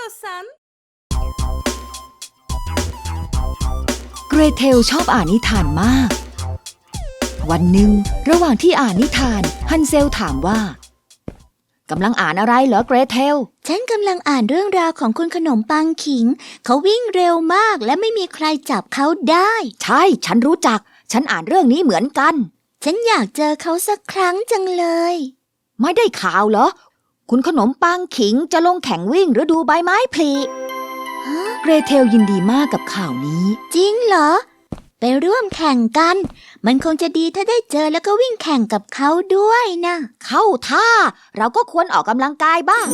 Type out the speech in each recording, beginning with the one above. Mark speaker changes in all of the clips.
Speaker 1: istiyorsan.
Speaker 2: เกรเทลชอบอ่านนิทานมากวันหนึ่งระหว่างที่อ่านนิทานฮันเซลถามว่ากำลังอ่านอะไรเหรอเกรเทล
Speaker 3: ฉันกำลังอ่านเรื่องราวของคุณขนมปังขิงเขาวิ่งเร็วมากและไม่มีใครจับเขาได้
Speaker 2: ใช่ฉันรู้จักฉันอ่านเรื่องนี้เหมือนกัน
Speaker 3: ฉันอยากเจอเขาสักครั้งจังเลย
Speaker 2: ไม่ได้ข่าวเหรอคุณขนมปังขิงจะลงแข่งวิ่งฤดูใบไม้ผลิเกรเทลยินดีมากกับข่าวนี้
Speaker 3: จริงเหรอไปร่วมแข่งกันมันคงจะดีถ้าได้เจอแล้วก็วิ่งแข่งกับเขาด้วยนะ
Speaker 2: เข้าท่าเราก็ควรออกกำลังกายบ้าง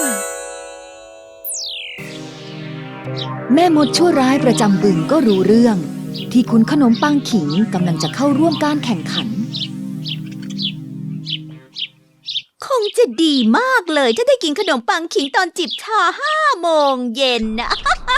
Speaker 2: แม่มดชั่วร้ายประจำบึงก็รู้เรื่องที่คุณขนมปังขิงกำลังจะเข้าร่วมการแข่งขัน
Speaker 3: คงจะดีมากเลยถ้าได้กินขนมปังขิงตอนจิบชา5 โมงเย็นนะ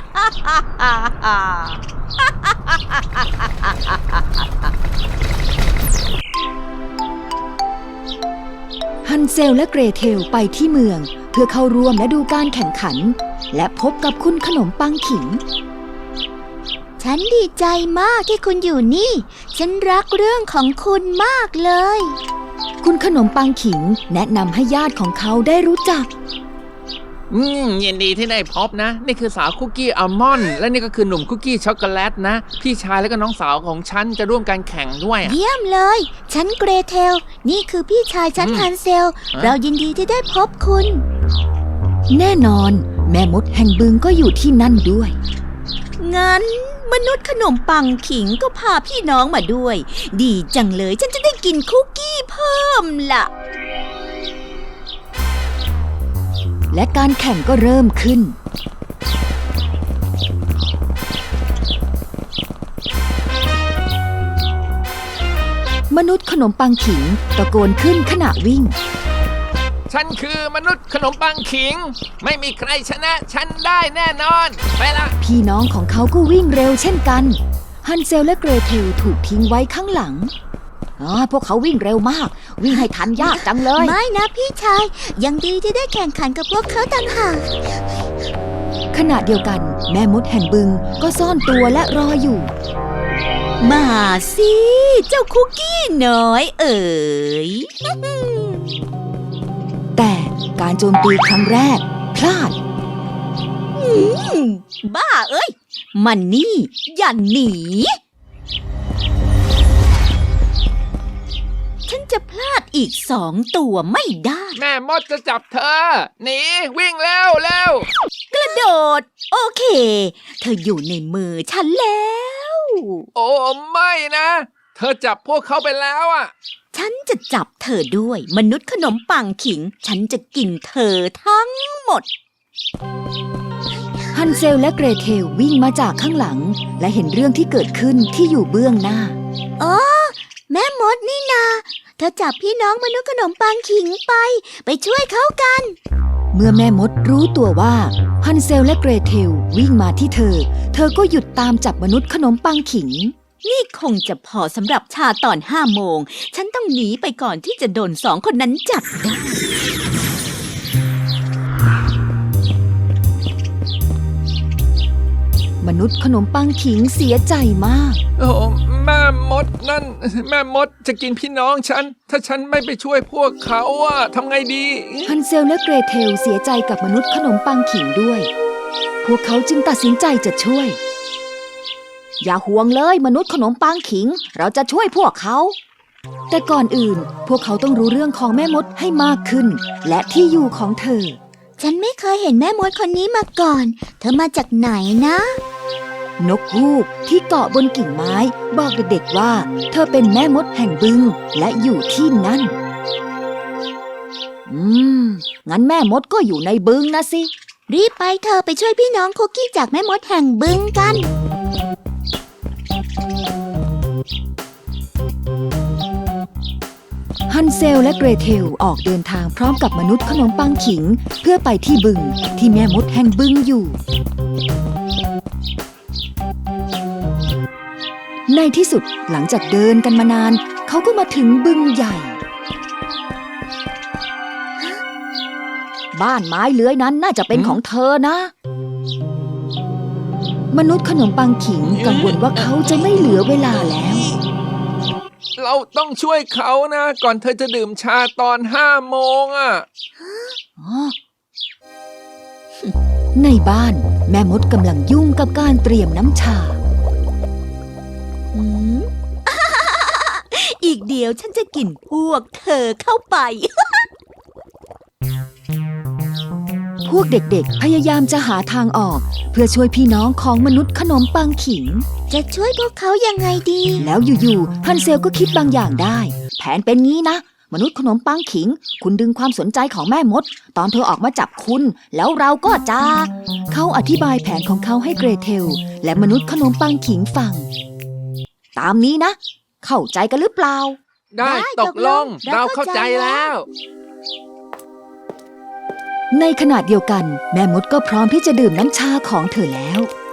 Speaker 2: ฮันเซลและเกรเทลไปที่เมืองเพื่อเข้าร่วมและดูการแข่งขันและพบกับคุณขนมปังขิง
Speaker 3: ฉันดีใจมากที่คุณอยู่นี่ฉันรักเรื่องของคุณมากเลย
Speaker 2: คุณขนมปังขิงแนะนำให้ญาติของเขาได้รู้จัก
Speaker 4: ยินดีที่ได้พบนะนี่คือสาวคุกกี้อัลมอนด์และนี่ก็คือหนุ่มคุกกี้ช็อกโกแลตนะพี่ชายและก็น้องสาวของฉันจะร่วมการแข่งด้วย
Speaker 3: เยี่ยมเลยฉันเกรเทลนี่คือพี่ชายฉันฮันเซลเรายินดีที่ได้พบคุณ
Speaker 2: แน่นอนแม่มดแห่งบึงก็อยู่ที่นั่นด้วย
Speaker 3: งั้นมนุษย์ขนมปังขิงก็พาพี่น้องมาด้วยดีจังเลยฉันจะได้กินคุกกี้เพิ่มล่ะ
Speaker 2: และการแข่งก็เริ่มขึ้นมนุษย์ขนมปังขิงตะโกนขึ้นขณะวิ่ง
Speaker 4: ฉันคือมนุษย์ขนมปังขิงไม่มีใครชนะฉันได้แน่นอนไปละ
Speaker 2: พี่น้องของเขาก็วิ่งเร็วเช่นกันฮันเซลและเกรเทลถูกทิ้งไว้ข้างหลังพวกเขาวิ่งเร็วมากวิ่งให้ทันยากจังเลย
Speaker 3: ไม่นะพี่ชายยังดีที่ได้แข่งขันกับพวกเขาต่างหาก
Speaker 2: ขณะเดียวกันแม่มดแห่งบึงก็ซ่อนตัวและรออยู่
Speaker 3: มาสิเจ้าคุกกี้น้อยเอ๋ย
Speaker 2: แต่การโจมตีครั้งแรกพลาด
Speaker 3: บ้าเอ้ยมันนี่อย่าหนีฉันจะพลาดอีก2 ตัวไม่ได้
Speaker 4: แม่มดจะจับเธอหนีวิ่งแล้ว
Speaker 3: กระโดดโอเคเธออยู่ในมือฉันแล้ว
Speaker 4: โอ้ไม่นะเธอจับพวกเขาไปแล้วอ่ะ
Speaker 3: ฉันจะจับเธอด้วยมนุษย์ขนมปังขิงฉันจะกินเธอทั้งหมด
Speaker 2: ฮันเซลและเกรเทลวิ่งมาจากข้างหลังและเห็นเรื่องที่เกิดขึ้นที่อยู่เบื้องหน้า
Speaker 3: แม่มดนี่นาเธอจับพี่น้องมนุษย์ขนมปังขิงไปช่วยเขากัน
Speaker 2: เมื่อแม่มดรู้ตัวว่าฮันเซลและเกรเทลวิ่งมาที่เธอก็หยุดตามจับมนุษย์ขนมปังขิง
Speaker 3: นี่คงจะพอสำหรับชาตอน5 โมงฉันต้องหนีไปก่อนที่จะโดน2 คนนั้นจับได้
Speaker 2: มนุษย์ขนมปังขิงเสียใจมาก
Speaker 4: โอ้แม่มดนั่นแม่มดจะกินพี่น้องฉันถ้าฉันไม่ไปช่วยพวกเขาอะทำไงดี
Speaker 2: ฮันเซลและเกรเทลเสียใจกับมนุษย์ขนมปังขิงด้วยพวกเขาจึงตัดสินใจจะช่วยอย่าห่วงเลยมนุษย์ขนมปังขิงเราจะช่วยพวกเขาแต่ก่อนอื่นพวกเขาต้องรู้เรื่องของแม่มดให้มากขึ้นและที่อยู่ของเธอ
Speaker 3: ฉันไม่เคยเห็นแม่มดคนนี้มาก่อนเธอมาจากไหนนะ
Speaker 2: นกฮูกที่เกาะบนกิ่งไม้บอกเด็กๆว่าเธอเป็นแม่มดแห่งบึงและอยู่ที่นั่นงั้นแม่มดก็อยู่ในบึงนะสิ
Speaker 3: รีบไปเธอไปช่วยพี่น้องคุกกี้จากแม่มดแห่งบึงกัน
Speaker 2: ฮันเซลและเกรเทลออกเดินทางพร้อมกับมนุษย์ขนมปังขิงเพื่อไปที่บึงที่แม่มดแห่งบึงอยู่ในที่สุดหลังจากเดินกันมานานเขาก็มาถึงบึงใหญ่บ้านไม้เลื้อยนั้นน่าจะเป็นของเธอนะ มนุษย์ขนมปังขิงกังวลว่าเขาจะไม่เหลือเวลาแล้ว
Speaker 4: เราต้องช่วยเขานะ ก่อนเธอจะดื่มชาตอน5 โมงอ่ะ
Speaker 2: ในบ้านแม่มดกำลังยุ่งกับการเตรียมน้ำชา
Speaker 3: อืม อีกเดียวฉันจะกินพวกเธอเข้าไป
Speaker 2: พวกเด็กๆพยายามจะหาทางออกเพื่อช่วยพี่น้องของมนุษย์ขนมปังขิง
Speaker 3: จะช่วยพวกเขายังไงดี
Speaker 2: แล้วอยู่ๆฮันเซลก็คิดบางอย่างได้ แผนเป็นงี้นะ มนุษย์ขนมปังขิง คุณดึงความสนใจของแม่มด ตอนเธอออกมาจับคุณ แล้วเราก็จะเขาอธิบายแผนของเขาให้เกรเทลและมนุษย์ขนมปังขิงฟัง ตามนี้นะ เข้าใจกันหรือเปล่า
Speaker 4: ได้ตกลง เราเข้าใจแล้ว
Speaker 2: ในขณะเดียวกัน แม่มดก็พร้อมที่จะดื่มน้ำชาของเธอแล้ว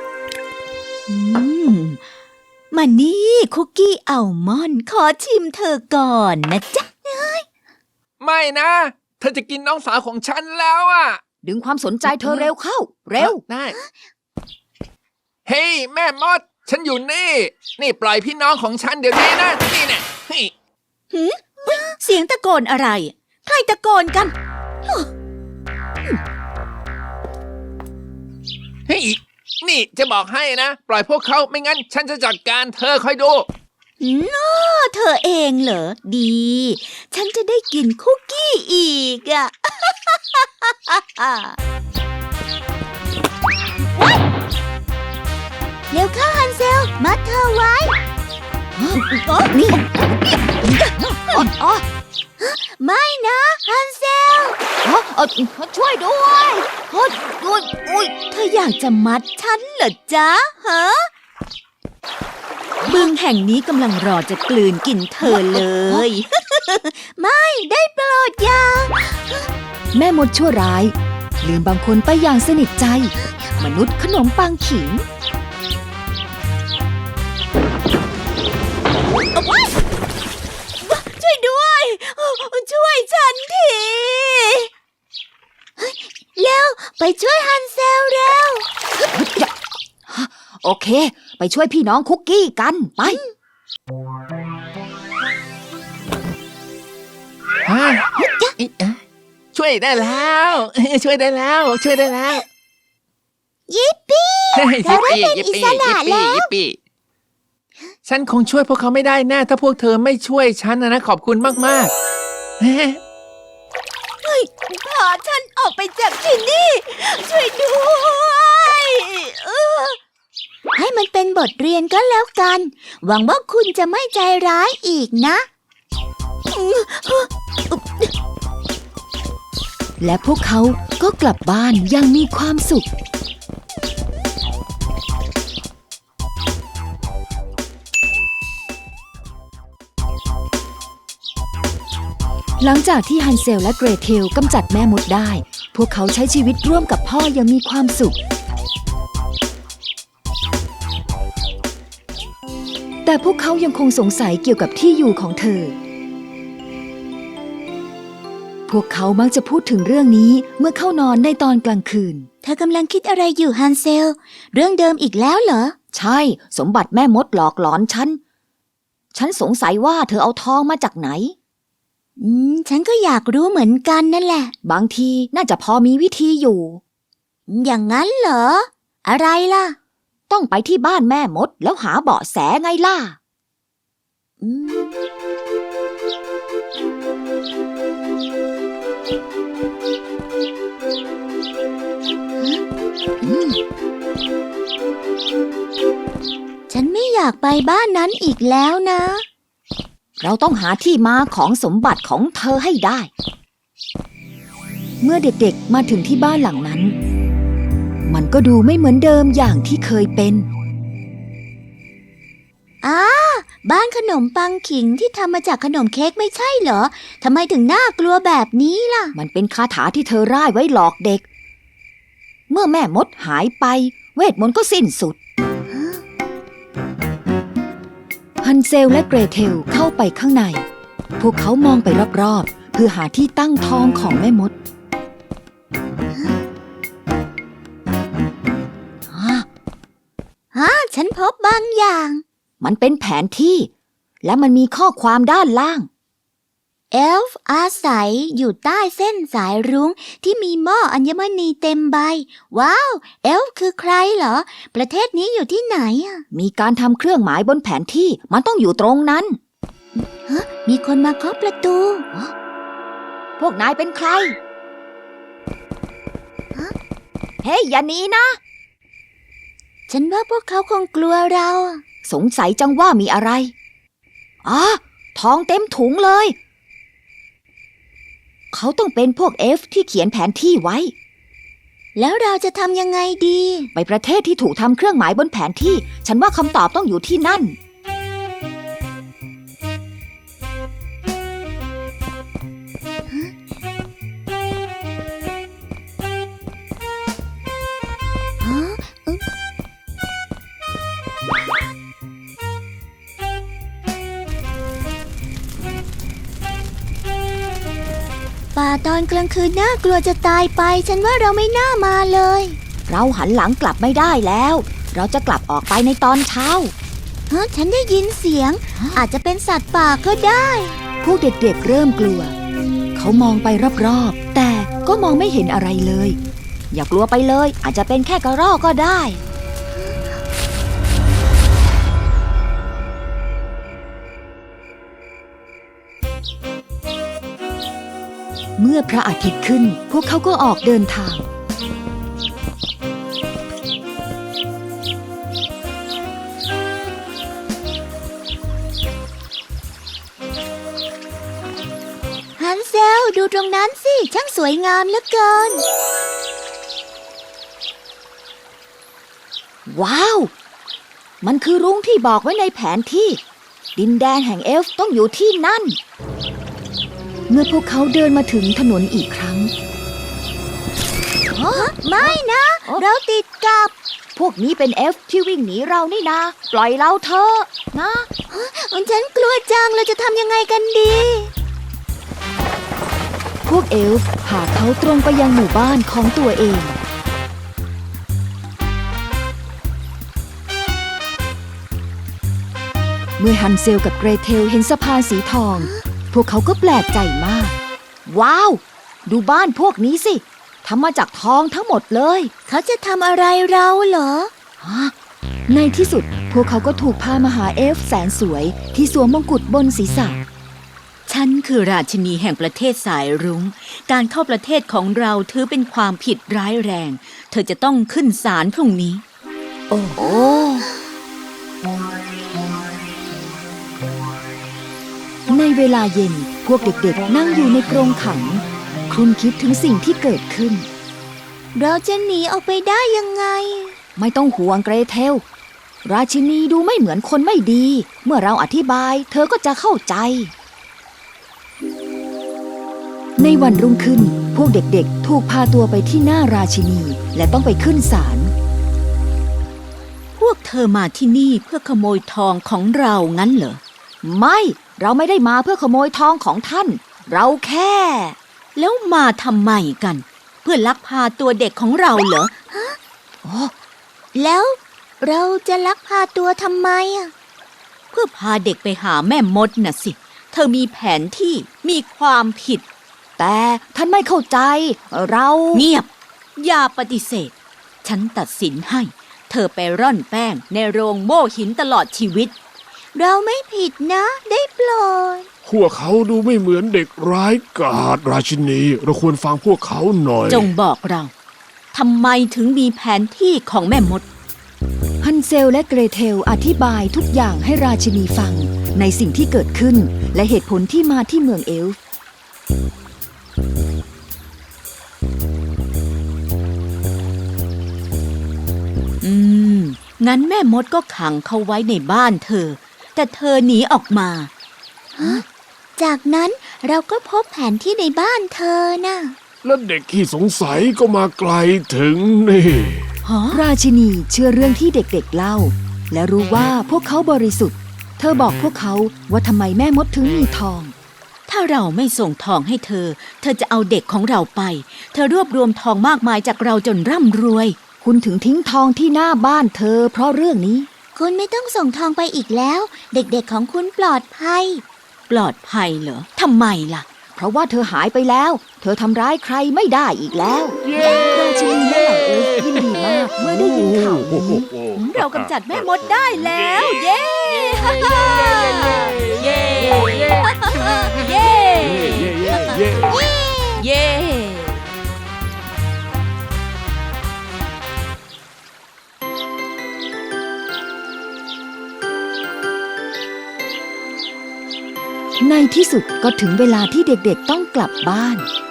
Speaker 3: มานี่คุกกี้อัลมอนด์ขอชิมเธอก่อนนะจ๊ะ
Speaker 4: ไม่นะ เธอจะกินน้องสาวของฉันแล้วอ่ะ
Speaker 2: ดึงความสนใจเธอเร็วเข้า เร็ว
Speaker 4: ได้ เฮ้ยแม่มด ฉันอยู่นี่ นี่ปล่อยพี่น้องของฉันเดี๋ยวนี้นะ นี่เนี่ยเฮ้ย
Speaker 3: เสียงตะโกนอะไร ใครตะโกนกัน
Speaker 4: เฮ้ยนี่จะบอกให้นะ ปล่อยพวกเขาไม่งั้น ฉันจะจัดการเธอคอยดู
Speaker 3: เธอเองเหรอ ดี ฉันจะได้กินคุกกี้อีกอ่ะ เร็วเข้าฮันเซล มัดเธอไว้
Speaker 2: นี่
Speaker 3: ไม่นะฮันเซล
Speaker 2: ช่วยด้วยอุ้ย
Speaker 3: เธออยากจะมัดฉันเหรอจ๊ะฮะ บึงแห่งนี้กำลังรอจะกลืนกินเธอเลย ไม่ได้โปรดอย่า
Speaker 2: แม่มดชั่วร้าย ลืมบางคนไปอย่างสนิทใจ มนุษย์ขนมปังขิง
Speaker 3: ช่วยด้วย ช่วยฉันทีเร็วไปช่วยฮันเซลเร็ว
Speaker 2: โอเค ไปช่วยพี่น้องคุกกี้กันไป
Speaker 4: ช่วยได้แล้ว ช่วยได้แล้ว ช่วยได้แล้ว
Speaker 3: ยิปปี้ เธอได้เป็นอิสระแล้ว
Speaker 4: ยิปปี้ฉันคงช่วยพวกเขาไม่ได้แน่ถ้าพวกเธอไม่ช่วยฉันนะขอบคุณมากๆ
Speaker 3: พาฉันออกไปจากที่นี่ ช่วยด้วยให้มันเป็นบทเรียนก็แล้วกัน หวังว่าคุณจะไม่ใจร้ายอีกนะ
Speaker 2: และพวกเขาก็กลับบ้านอย่างมีความสุข หลังจากที่ฮันเซลและเกรเทลกำจัดแม่มดได้ พวกเขาใช้ชีวิตร่วมกับพ่ออย่างมีความสุข แต่พวกเขายังคงสงสัยเกี่ยวกับที่อยู่ของเธอ พวกเขามักจะพูดถึงเรื่องนี้เมื่อเข้านอนในตอนกลางคืน
Speaker 3: เธอกำลังคิดอะไรอยู่ฮันเซล เรื่องเดิมอีกแล้วเหรอ
Speaker 2: ใช่ สมบัติแม่มดหลอกหลอนฉัน ฉันสงสัยว่าเธอเอาทองมาจากไหน
Speaker 3: ฉันก็อยากรู้เหมือนกันนั่นแหละ
Speaker 2: บางทีน่าจะพอมีวิธีอยู่
Speaker 3: อย่างนั้นเหรอ อะไรล่ะ
Speaker 2: ต้องไปที่บ้านแม่มดแล้วหาเบาะแสไงล่ะ
Speaker 3: ฉันไม่อยากไปบ้านนั้นอีกแล้วนะ
Speaker 2: เราต้องหาที่มาของสมบัติของเธอให้ได้ เมื่อเด็กๆมาถึงที่บ้านหลังนั้น มันก็ดูไม่เหมือนเดิมอย่างที่เคยเป็น
Speaker 3: บ้านขนมปังขิงที่ทำมาจากขนมเค้กไม่ใช่เหรอ ทำไมถึงน่ากลัวแบบนี้ล่ะ
Speaker 2: มันเป็นคาถาที่เธอร่ายไว้หลอกเด็ก เมื่อแม่มดหายไป เวทมนต์ก็สิ้นสุด ฮันเซลและเกรเทลเข้าไปข้างใน พวกเขามองไปรอบๆเพื่อหาที่ตั้งท้องของแม่มด
Speaker 3: ฉันพบบางอย่าง
Speaker 2: มันเป็นแผนที่ และมันมีข้อความด้านล่าง
Speaker 3: เอลฟ์อาศัยอยู่ใต้เส้นสายรุ้งที่มีหม้ออัญมณีเต็มใบ ว้าว เอลฟ์คือใครเหรอ ประเทศนี้อยู่ที่ไหนอะ
Speaker 2: มีการทำเครื่องหมายบนแผนที่ มันต้องอยู่ตรงนั้น
Speaker 3: มีคนมาเคาะประตู
Speaker 2: พวกนายเป็นใคร เฮ้ยอย่าหนีนะ
Speaker 3: ฉันว่าพวกเขาคงกลัวเราอะ
Speaker 2: สงสัยจังว่ามีอะไรทองเต็มถุงเลย เขาต้องเป็นพวกเอฟที่เขียนแผนที่ไว้
Speaker 3: แล้วเราจะทำยังไงดี
Speaker 2: ไปประเทศที่ถูกทำเครื่องหมายบนแผนที่ ฉันว่าคำตอบต้องอยู่ที่นั่น
Speaker 3: ป่าตอนกลางคืนน่ากลัวจะตายไป ฉันว่าเราไม่น่ามาเลย
Speaker 2: เราหันหลังกลับไม่ได้แล้ว เราจะกลับออกไปในตอนเช้า
Speaker 3: ฉันได้ยินเสียง อาจจะเป็นสัตว์ป่าก็ได้
Speaker 2: พวกเด็กๆเริ่มกลัว เขามองไปรอบๆ แต่ก็มองไม่เห็นอะไรเลย อย่ากลัวไปเลย อาจจะเป็นแค่กระรอกก็ได้ เมื่อพระอาทิตย์ขึ้น พวกเขาก็ออกเดินทาง
Speaker 3: ฮันเซลดูตรงนั้นสิ ช่างสวยงามเหลือเกิน
Speaker 2: ว้าว มันคือรุ้งที่บอกไว้ในแผนที่ ดินแดนแห่งเอลฟ์ต้องอยู่ที่นั่น เมื่อพวกเขาเดินมาถึงถนนอีกครั้ง
Speaker 3: ไม่นะ เราติดกับ
Speaker 2: พวกนี้เป็นเอลฟ์ที่วิ่งหนีเรานี่นา ปล่อยเราเถอะนะ
Speaker 3: ฉันกลัวจัง เราจะทำยังไงกันดี
Speaker 2: พวกเอลฟ์พาเขาตรงไปยังหมู่บ้านของตัวเอง เมื่อฮันเซลกับเกรเทลเห็นสะพานสีทอง พวกเขาก็แปลกใจมาก ว้าว ดูบ้านพวกนี้สิทำมาจากทองทั้งหมดเลย
Speaker 3: เขาจะทำอะไรเราเหรอ
Speaker 2: ในที่สุดพวกเขาก็ถูกพามาหาเอลฟ์แสนสวยที่สวมมงกุฎบนศีรษะ
Speaker 1: ฉันคือราชินีแห่งประเทศสายรุ้ง การเข้าประเทศของเราถือเป็นความผิดร้ายแรง เธอจะต้องขึ้นศาลพรุ่งนี้
Speaker 2: โอ้โหในเวลาเย็นพวกเด็กๆนั่งอยู่ในกรงขังครุ่นคิดถึงสิ่งที่เกิดขึ้น
Speaker 3: เราจะหนีออกไปได้ยังไง
Speaker 2: ไม่ต้องห่วงเกรเทล ราชินีดูไม่เหมือนคนไม่ดี เมื่อเราอธิบายเธอก็จะเข้าใจ ในวันรุ่งขึ้นพวกเด็กๆถูกพาตัวไปที่หน้าราชินีและต้องไปขึ้นศาล
Speaker 1: พวกเธอมาที่นี่เพื่อขโมยทองของเรางั้นเหรอ
Speaker 2: ไม่เราไม่ได้มาเพื่อขโมยทองของท่าน เราแค่
Speaker 1: แล้วมาทำไมกัน เพื่อลักพาตัวเด็กของเราเหรอ
Speaker 3: แล้วเราจะลักพาตัวทำไมอะ
Speaker 1: เพื่อพาเด็กไปหาแม่มดน่ะสิ เธอมีแผนที่มีความผิด
Speaker 2: แต่ท่านไม่เข้าใจ เรา
Speaker 1: เงียบ อย่าปฏิเสธ ฉันตัดสินให้ เธอไปร่อนแป้งในโรงโม่หินตลอดชีวิต
Speaker 3: เราไม่ผิดนะ ได้โปรด
Speaker 5: พวกเขาดูไม่เหมือนเด็กร้ายกาจราชินีเราควรฟังพวกเขาหน่อย
Speaker 1: จงบอกเราทำไมถึงมีแผนที่ของแม่มด
Speaker 2: ฮันเซลและเกรเทลอธิบายทุกอย่างให้ราชินีฟังในสิ่งที่เกิดขึ้นและเหตุผลที่มาที่เมืองเอลฟ์
Speaker 1: งั้นแม่มดก็ขังเขาไว้ในบ้านเธอ แต่เธอหนีออกมา
Speaker 3: จากนั้นเราก็พบแผนที่ในบ้านเธอน่ะ
Speaker 5: แล้วเด็กที่สงสัยก็มาไกลถึงนี่
Speaker 2: ราชินีเชื่อเรื่องที่เด็กๆเล่า และรู้ว่าพวกเขาบริสุทธิ์ เธอบอกพวกเขาว่าทำไมแม่มดถึงมีทอง
Speaker 1: ถ้าเราไม่ส่งทองให้เธอ เธอจะเอาเด็กของเราไป เธอรวบรวมทองมากมายจากเราจนร่ำรวย
Speaker 2: คุณถึงทิ้งทองที่หน้าบ้านเธอเพราะเรื่องนี้
Speaker 3: คุณไม่ต้องส่งทองไปอีกแล้ว เด็กๆของคุณปลอดภัย
Speaker 1: ปลอดภัยเหรอทำไมล่ะ
Speaker 2: เพราะว่าเธอหายไปแล้ว เธอทำร้ายใครไม่ได้อีกแล้ว ราชินีและเหล่าเอลฟ์ยินดีมากเมื่อได้ยินข่าวนี้
Speaker 1: เรากำจัดแม่มดได้แล้ว เย้ เย้ เย้ เย้ เย้
Speaker 2: ในที่สุดก็ถึงเวลาที่เด็กๆต้องกลับบ้าน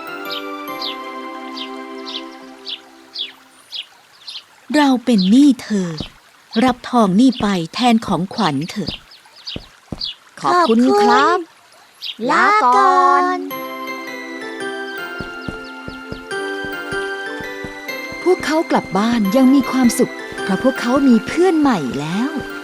Speaker 1: เราเป็นหนี้เธอ รับทองนี่ไปแทนของขวัญเถอะ
Speaker 2: ขอบคุณครับ
Speaker 3: ลาก่อน
Speaker 2: พวกเขากลับบ้านยังมีความสุข เพราะพวกเขามีเพื่อนใหม่แล้ว